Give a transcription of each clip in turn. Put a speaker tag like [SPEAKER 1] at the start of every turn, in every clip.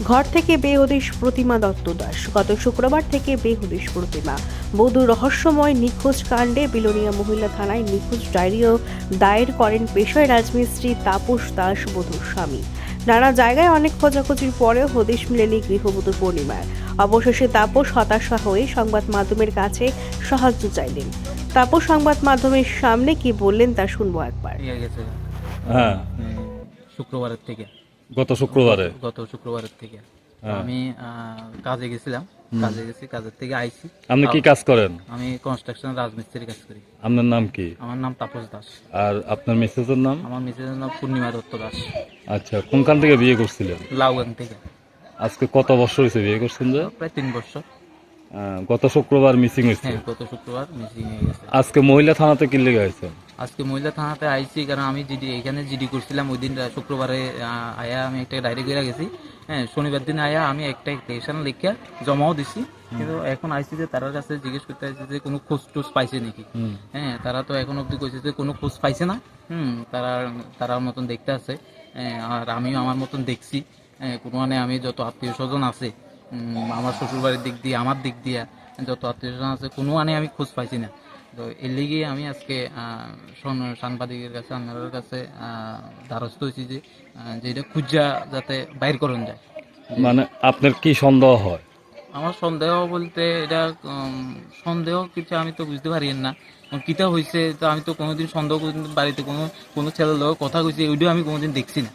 [SPEAKER 1] ঘর থেকে বেহদিশ প্রতিমা দত্ত দাস। গত শুক্রবার থেকে বেহদিশ প্রতিমা। বধূ রহস্যময় নিখোঁজ কাণ্ডে বিলোনিয়া মহিলা থানায় নিখোঁজ ডায়েরিও দায়ের করেন পেশায় রাজমিস্ত্রি তাপস দাস বধূর স্বামী। নানা জায়গায় অনেক খোঁজাখুঁজির পরেও হদিশ মেলেনি গৃহবধূ পূর্ণিমার। অবশেষে তাপস হতাশা হয়ে সংবাদ মাধ্যমের কাছে সাহায্য চাইলেন। তাপস সংবাদ মাধ্যমের সামনে কি বললেন তা শুনবো একবার।
[SPEAKER 2] হ্যাঁ,
[SPEAKER 3] শুক্রবারের থেকে
[SPEAKER 2] গত শুক্রবারে।
[SPEAKER 3] গত শুক্রবারের থেকে
[SPEAKER 2] হ্যাঁ।
[SPEAKER 3] আমি কাজে গেছিলাম, কাজের থেকে আইছি।
[SPEAKER 2] আপনি কি কাজ করেন?
[SPEAKER 3] আমি কনস্ট্রাকশন রাজমিস্ত্রির কাজ করি।
[SPEAKER 2] আপনার নাম কি?
[SPEAKER 3] আমার নাম তাপস দাস।
[SPEAKER 2] আর আপনার মিসেসের নাম?
[SPEAKER 3] আমার মিসেসের নাম পূর্ণিমা দত্ত দাস।
[SPEAKER 2] আচ্ছা, কোনখান থেকে বিয়ে করছিলেন?
[SPEAKER 3] লাউগাং থেকে।
[SPEAKER 2] আজকে কত বছর হয়েছে বিয়ে করছেন যে?
[SPEAKER 3] প্রায় 3 বছর।
[SPEAKER 2] গত শুক্রবার মিসিং হয়েছে।
[SPEAKER 3] হ্যাঁ, গত শুক্রবার মিসিং হয়ে গেছে।
[SPEAKER 2] আজকে মহিলা থানাতে কি লেগে হয়েছে?
[SPEAKER 3] আজকে মহিলা থানাতে আইছি কারণ আমি এখানে জিডি করছিলাম। ওই দিন শুক্রবারে আয়া আমি একটা ডায়েরি করে গেছি। হ্যাঁ, শনিবার দিন আয়া আমি একটা স্টেশন লিখে জমাও দিছি। কিন্তু এখন আইসি যে তার কাছে জিজ্ঞেস করতে আইসি যে কোনো খোঁজ টোজ পাইছে নাকি। হ্যাঁ, তারা তো এখন অব্দি কইছে যে কোনো খোঁজ পাইছে না। তারা মতন দেখতে আছে। আর আমিও আমার মতন দেখছি। কোনো মানে আমি যত আত্মীয় স্বজন আছে, আমার শ্বশুরবাড়ির দিক দিয়ে, আমার দিক দিয়ে যত আত্মীয় স্বজন আছে, কোনো মানে আমি খোঁজ পাইছি না। তো এর লিগে আমি আজকে সাংবাদিকের কাছে, আপনাদের কাছে দ্বারস্থ হয়েছি যে এটা খুঁজা যাতে বাইর করুন যায়।
[SPEAKER 2] মানে আপনার কি সন্দেহ হয়?
[SPEAKER 3] আমার সন্দেহ বলতে এটা সন্দেহ কিছু আমি তো বুঝতে পারি না। কিতা হয়েছে তো আমি তো কোনোদিন সন্দেহ বাড়িতে কোনো ছেলের লোক কথা কইছে ওইটাও আমি কোনোদিন দেখছি না।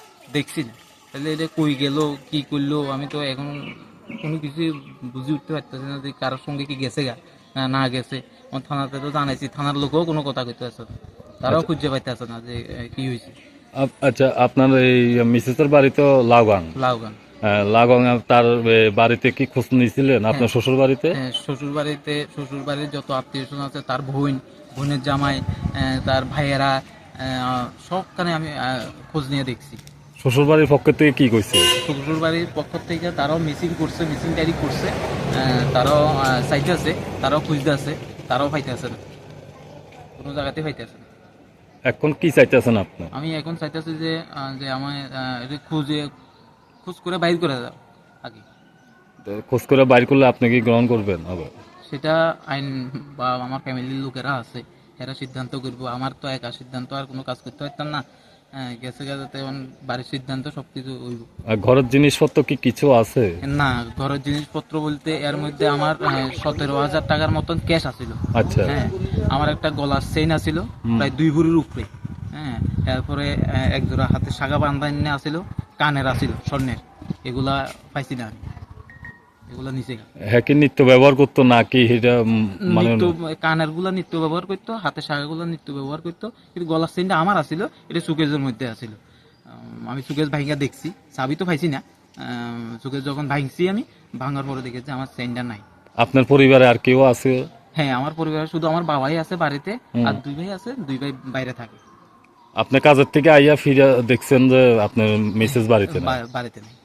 [SPEAKER 3] তাহলে এটা কই গেল, কি করলো, আমি তো এখন কোনো কিছু বুঝে উঠতে পারতেছি না যে কারোর সঙ্গে কি গেছে না গেছে। আমার থানাতে তো জানাইছি, থানার লোকও কোনো কথা কইতে আসে না, তারাও খুঁজে পাইতে আসে না যে কি হয়েছে।
[SPEAKER 2] আচ্ছা, আপনার এই মিসেসের বাড়ি তো লাউগাং। লাউগাং তার বাড়িতে কি খোঁজ নিয়েছিলেন? আপনার শ্বশুর বাড়িতে?
[SPEAKER 3] হ্যাঁ, শ্বশুর বাড়ির যত আত্মীয় স্বজন আছে, তার বোনের জামাই, তার ভাইয়েরা, সবখানে আমি খোঁজ নিয়ে দেখছি।
[SPEAKER 2] শ্বশুর বাড়ির পক্ষ থেকে কি কইছে?
[SPEAKER 3] শ্বশুর বাড়ির পক্ষ থেকে তারাও মিসিং ডায়েরি করছে। তারাও সাইটে আছে, তারাও খুঁজতে আছে, তারাও পাইতে আছে না, কোনো জায়গাতে পাইতে আছে না।
[SPEAKER 2] এখন কি চাইতেছেন আপনি?
[SPEAKER 3] আমি এখন চাইতেছি যে আমায় এটা খোঁজ করে বাইর করে দাও আগে।
[SPEAKER 2] খোঁজ করে বাইর করলে আপনি কি গ্রহণ করবেন?
[SPEAKER 3] সেটা আইন বা আমার ফ্যামিলির লোকেরা আছে, এরা সিদ্ধান্ত করবো। আমার তো একা সিদ্ধান্ত আর কোনো কাজ করতে পারতাম না। গেছে বাড়ির সিদ্ধান্ত সবকিছু হইব।
[SPEAKER 2] ঘরের জিনিসপত্র কি কিছু আছে?
[SPEAKER 3] না, ঘরের জিনিসপত্র বলতে এর মধ্যে আমার 17,000 টাকার মতন ক্যাশ আছিল।
[SPEAKER 2] আচ্ছা।
[SPEAKER 3] হ্যাঁ, আমার একটা গলার চেইন আছিল প্রায় 2 ভরির উপরে। হ্যাঁ, এরপরে এক জোড়া হাতে সাগা বান্ধান্য আছিল, কানের আছিল স্বর্ণের। এগুলা পাইছি না আমি, এগুলা নিচে।
[SPEAKER 2] হ্যাঁ, কি নিত্য ব্যবহার করতো নাকি এটা মানে?
[SPEAKER 3] কানের গুলা নিত্য ব্যবহার করতো, হাতে শাখা গুলা নিত্য ব্যবহার করতো, কিন্তু গলার চেইনটা আমার আছিল, এটা সুকেজের মধ্যে আছিল। আমি সুকেজ ভাইঙ্গা দেখছি, চাবি তো পাইছি না। সুকেজ যখন ভাঙছি আমি, ভাঙার পরে দেখেছি আমার চেইনটা নাই।
[SPEAKER 2] আপনার পরিবারে আর কেউ আছে?
[SPEAKER 3] হ্যাঁ, আমার পরিবারে শুধু আমার বাবাই আছে বাড়িতে, আর 2 ভাই আছে, 2 ভাই বাইরে থাকে।
[SPEAKER 2] আপনি কাজের থেকে আইয়া ফিরে দেখছেন যে আপনার মিসেস বাড়িতে না?
[SPEAKER 3] বাড়িতে নেই।